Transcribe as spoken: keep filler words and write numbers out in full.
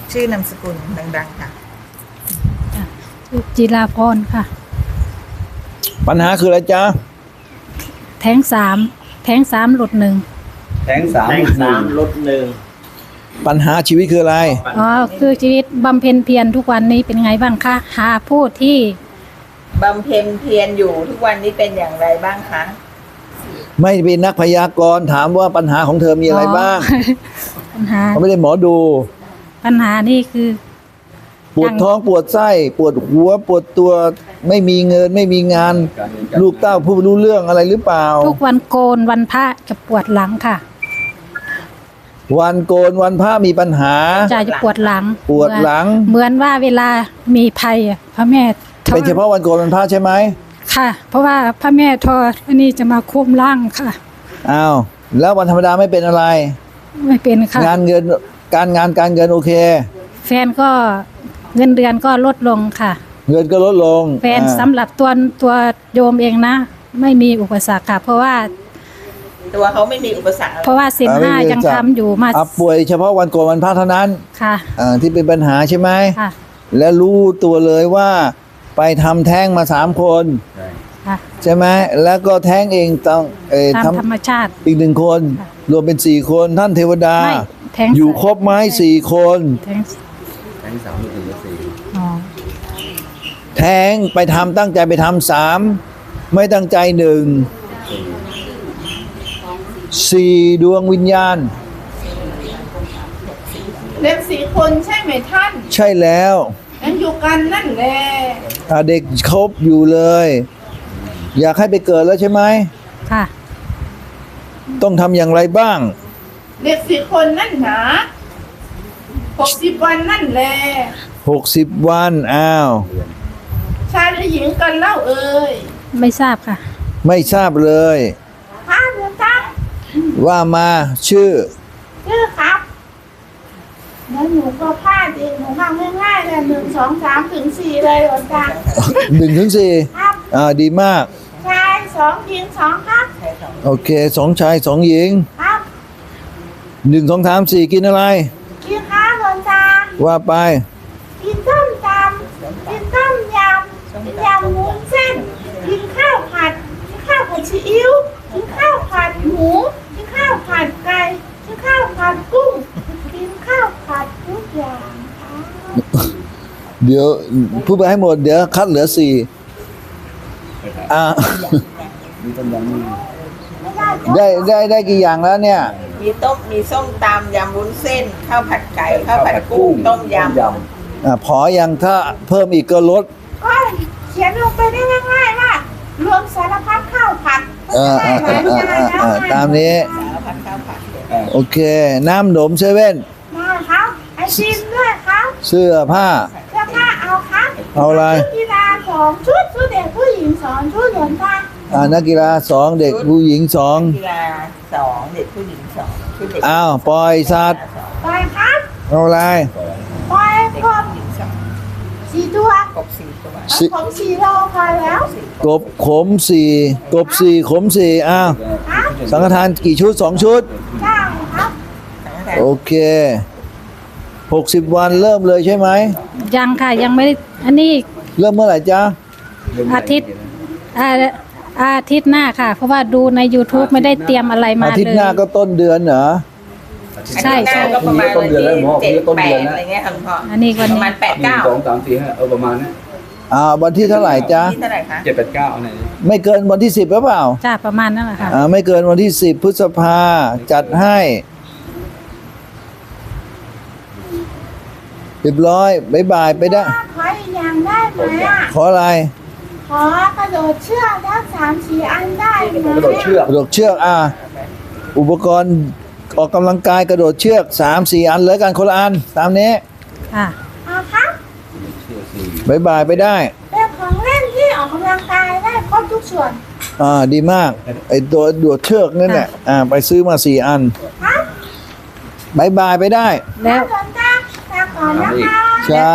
ชื่อนามสกุลดังๆค่ะชื่อจิราพรค่ะปัญหาคืออะไรจ๊ะแท้งสามแท้งสามหลุดหนึ่งแทงสามแทงสามลดหนึ่งปัญหาชีวิตคืออะไรอ๋อคือชีวิตบำเพ็ญเพียรทุกวันนี้เป็นไงบ้างคะหาผู้ที่บำเพ็ญเพียรอยู่ทุกวันนี้เป็นอย่างไรบ้างคะไม่เป็นนักพยากรณ์ถามว่าปัญหาของเธอมีอะไรบ้างปัญหาเขาไม่ได้หมอดูปัญหานี่คือปวดท้องปวดไส้ปวดหัวปวดตัวไม่มีเงินไม่มีงานลูกเต้าผู้รู้เรื่องอะไรหรือเปล่าทุกวันโกนวันพระจะปวดหลังค่ะวันโกนวันพระมีปัญหาจะจะปวดหลังปวดหลังเหมือนว่าเวลามีภัยพระแม่เป็นเฉพาะวันโกนวันพระใช่ไหมค่ะเพราะว่าพระแม่ทออันนี้จะมาคุมร่างค่ะอ้าวแล้ววันธรรมดาไม่เป็นอะไรไม่เป็นค่ะงานเงินการงานการเงินโอเคแฟนก็เงินเดือนก็ลดลงค่ะเงินก็ลดลงแฟนสำหรับตัวตัวโยมเองนะไม่มีอุปสรรคค่ะเพราะว่าตัวเขาไม่มีอุปสรรคเพราะว่าศีลห้ายังทำอยู่มาป่วยเฉพาะวันโกนวันพระเท่านั้นค่ะอ่าที่เป็นปัญหาใช่ไหมค่ะและรู้ตัวเลยว่าไปทำแท้งมาสามคนใช่ไหมแล้วก็แท้งเองต้องเอ่อทำธรรมชาติอีกหนึ่งคนรวมเป็นสี่คนท่านเทวดาอยู่ครบไหมสี่คนแทงสามหรือสี่แท้งไปทำตั้งใจไปทำสามไม่ตั้งใจหนึ่งสี่ดวงวิญญาณเด็กสี่คนใช่ไหมท่านใช่แล้วยังอยู่กันนั่นแหละเด็กครบอยู่เลยอยากให้ไปเกิดแล้วใช่ไหมค่ะต้องทำอย่างไรบ้างเด็กสี่คนนั่นหนาหกสิบวันนั่นแหละหกสิบวันอ้าวชายหรือหญิงกันเล่าเอ่ยไม่ทราบค่ะไม่ทราบเลยค่ะหลวงตาว่ามาชื่อชื่อครับแล้วหนูก็พลาดเองหนูฟังง่ายๆเลยหนึ่งสองสามถึงสี่เลยหลวงตาหนึ่งถึงสี่ครับอ่าดีมากชายสองหญิงสองครับโอเคสองชายสองหญิงครับหนึ่งสองสามสี่กินอะไรกินข้าวหลวงตาว่าไปกินต้มยำกินต้มยำกินยำวุ้นเส้นกินข้าวผัดกินข้าวผัดซีอิ๊วกินข้าวผัดหมูกินข้าวผัดไก่กินข้าวผัดกุ้งกินข้าวผัดทุกอย่างเดี๋ยวพูดไปให้หมดเดี๋ยวคัดเหลือสี่อ่าได้ได้ได้กี่อย่างแล้วเนี่ยมีต้มมีส้มตำยำวุ้นเส้นข้าวผัดไก่ข้าวผัดกุ้งต้มยำอ่าพอยังถ้าเพิ่มอีกก็ลดก็เขียนลงไปได้ง่ายๆว่ารวมสารพัดข้าวผัดเออเออเออเออตามนี้สารพัดข้าวผัดโอเคน้ำหนมเซเว่นมาครับไอติมด้วยครับเสื้อผ้าเสื้อผ้าเอาครับเอาอะไรกีฬาสองชุดชุดเด็กผู้หญิงสองชุดหลวงตาอ่านักกีฬาสองเด็กผู้หญิงสองกีฬาสองเด็กผู้หญิงสองชุดเด็กอ้าวปล่อยสัตว์ปล่อยครับเอาอะไรปล่อยกบสี่ตัวกบสี่ตัวขมสี่โลพอแล้วกบขมสี่กบสี่ขมสี่อ้าวสังฆทานกี่ชุดสองชุดใช่ครับโอเคหกสิบวันเริ่มเลยใช่ไหมยังค่ะยังไม่ได้อันนี้เริ่มเมื่อไหร่จ๊ะอาทิตย์อาอาทิตย์หน้าค่ะเพราะว่าดูใน YouTube ไม่ได้เตรียมอะไรมาเลยอาทิตย์หน้าก็ต้นเดือนเหรอใช่ใช่ก็ประมาณวันที่เจ็ดแปดอะไรเงี้ยครับพ่ออันนี้วันประมาณแปดเก้าสองสามสี่ห้าเออประมาณนั้นอ่าวันที่เท่าไหร่จ๊ะที่เท่าไหร่คะเจ็ดแปดเก้าอะไรไม่เกินวันที่สิบหรือเปล่าจ้าประมาณนั้นแหละค่ะอ่าไม่เกินวันที่สิบพฤษภาจัดให้เรียบร้อยบ๊ายบายไปได้ขออีกอย่างได้ไหมอ่ะขออะไรขอกระโดดเชือกได้สามสี่อันได้ไหมกระโดดเชือกกระโดดเชือกอ่าอุปกรณ์ออกกำลังกายกระโดดเชือกสามสี่อันเลยกันคนละอันตามนี้ค่ะเอาครับบ๊ายบายไปได้เป็นของเล่นที่ออกกำลังกายได้ครบทุกส่วนอ่าดีมากไอตัวโดดเชือกนั่นแหละอ่าไปซื้อมาสี่อันครับบ๊ายบายไปได้แล้วก่อนนะก่อนนะคะ